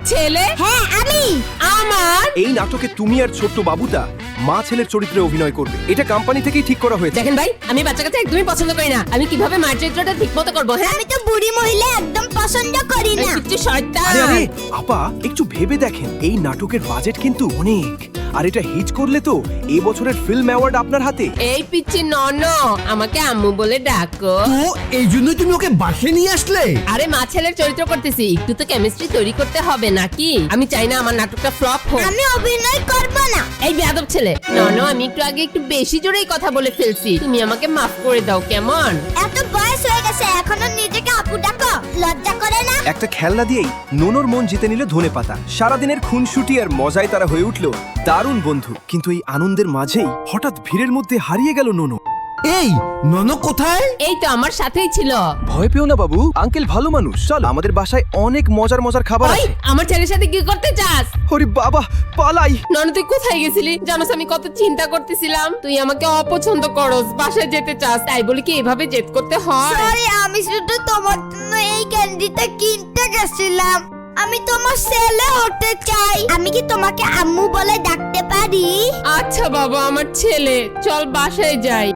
ছেলে? হ্যাঁ আমি। আমার এই নাটকে তুমি আর ছোট্ট বাবুটা মা ছেলের চরিত্রে অভিনয় করবে। এটা কোম্পানি থেকেই ঠিক করা হয়েছে। দেখেন ভাই, আমি বাচ্চা কাচ্চা একদমই পছন্দ করি না। আমি কিভাবে মার চরিত্রটা ঠিক মতো করবো? হ্যাঁ, আমি তো বুড়ি মহিলা একদম পছন্দ করি না। কিচ্ছু শয়তান। আরে আরে আপা, একটু ভেবে দেখেন, এই নাটকের বাজেট কিন্তু অনেক, আর এটা হিট করলে তো এই বছরের ফিল্ম অ্যাওয়ার্ড আপনার হাতে। এই পিচ্ছি নন, আমাকে আম্মু বলে ডাকো। তো এই জন্যই তুমি ওকে বাসে নিয়ে আসলে? আরে মা ছেলের চরিত্র করতেছি, একটু তো কেমিস্ট্রি তৈরি করতে হবে নাকি? আমি চাই না আমার নাটকটা ফ্লপ হোক। আমি অভিনয় করব না। এই বেয়াদব ছেলে, নন, আমি একটু আগে একটু বেশি জোরেই কথা বলে ফেলছি, তুমি আমাকে মাফ করে দাও কেমন? এত বয়স হয়ে গেছে এখনো নিজেকে আপু ডাকো, লজ্জা করে না? একটা খেলনা দিয়েই নোনোর মন জিতে নিল ধনেপাতা। সারাদিনের খুনসুটি আর মজায় তারা হয়ে উঠল দারুণ বন্ধু। কিন্তু এই আনন্দের মাঝেই হঠাৎ ভিড়ের মধ্যে হারিয়ে গেল নোনো। এই নন কোথায়? এই তো আমার সাথেই ছিল। ভয় পেও না বাবু, আঙ্কেল ভালো মানুষ। চল, আমাদের বাসায় অনেক মজার মজার খাবার ওই, আছে। আমার ছেলের সাথে কি করতে চাস? ওরে বাবা, পালাই। নন, তুই কোথায় গেছিলি? জানোস আমি কত চিন্তা করতেছিলাম। তুই আমাকে অপছন্দ করস, বাসায় যেতে চাস, তাই বলে কি এভাবে জেদ করতে হয়? সরি, আমি শুধু তোমার জন্য এই ক্যান্ডিটা কিনতে গেছিলাম। আমি তোমার ছেলে হতে চাই। আমি কি তোমাকে আম্মু বলে ডাকতে পারি? আচ্ছা বাবা, আমার ছেলে, চল বাসায় যাই।